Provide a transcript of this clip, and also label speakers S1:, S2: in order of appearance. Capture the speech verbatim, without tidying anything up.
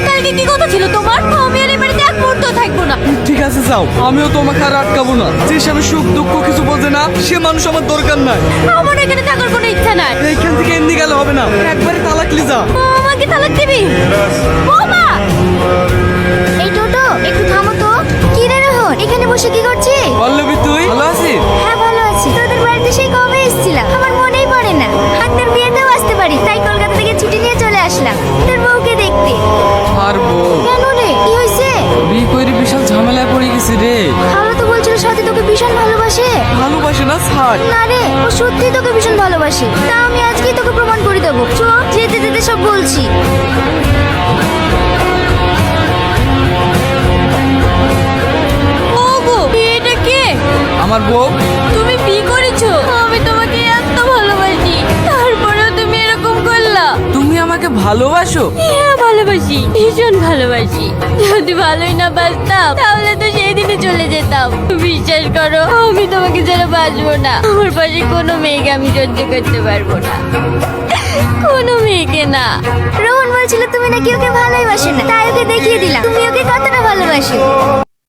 S1: কালকে কি কথা ছিল তোমার? আমি আর এই বাড়িতে এক মুহূর্ত থাকবো না।
S2: ঠিক আছে যাও, আমিও তোমাকে আর আটকাবো না। যে স্বামী সুখ দুঃখ কিছু বোঝে না সে মানুষ আমার দরকার নাই।
S1: আমার এখানে থাকার কোনো ইচ্ছা নাই।
S2: এইখান থেকে এমনি গেলে হবে না, একবারে তালাক লিজা।
S1: আমাকে তালাক দিবি? বৌমা!
S3: এই টোটো একটু থামো তো। কি রে রোহন, এখানে বসে কি করছিস?
S2: পল্লবী তুই ভালো আছিস?
S3: হ্যাঁ ভালো আছি। তোদের বাড়িতে সেই কবে এসেছিলাম, আমার মনেই পড়ে না। হাতদের বিয়েতেও আসতে পারি, তাই কলকাতা থেকে ছুটি নিয়ে চলে আসলাম তোর বউকে দেখতে।
S2: আর বউ
S3: কেন রে, কি হয়েছে?
S2: বিয়ে করে বিশাল ঝামেলায় পড়ে গেছি রে।
S3: খালা তো বলছিল সাথে তোকে ভীষণ ভালোবাসে।
S2: ভালোবাসে না ছাড়।
S3: না রে, ও সত্যি তোকে ভীষণ ভালোবাসে। তা আমি আজকেই তোকে প্রমাণ করে দেবো। চল, যেতে যেতে সব বলছি।
S1: ওগো, এটা কে?
S2: আমার বউ।
S1: তুমি বিয়ে করেছো? আমি তোমাকে এত ভালোবাসি, তারপরেও তুমি এরকম করলা।
S2: তুমি আমাকে ভালোবাসো?
S1: হ্যাঁ ভালোবাসি, ভীষণ ভালোবাসি। যদি ভালোই না বাসতাম তাহলে তো সেই দিনে চলে যেতাম। বিশ্বাস করো, আমি তোমাকে ছাড়া বাঁচবো না। আমার পাশে কোনো মেয়েকে আমি সহ্য করতে পারবো না, কোনো মেয়েকে না।
S3: রোহন বলছিল তুমি নাকি ওকে ভালোই বাসো না, তাই ওকে দেখিয়ে দিলাম তুমি ওকে কতটা ভালোবাসো।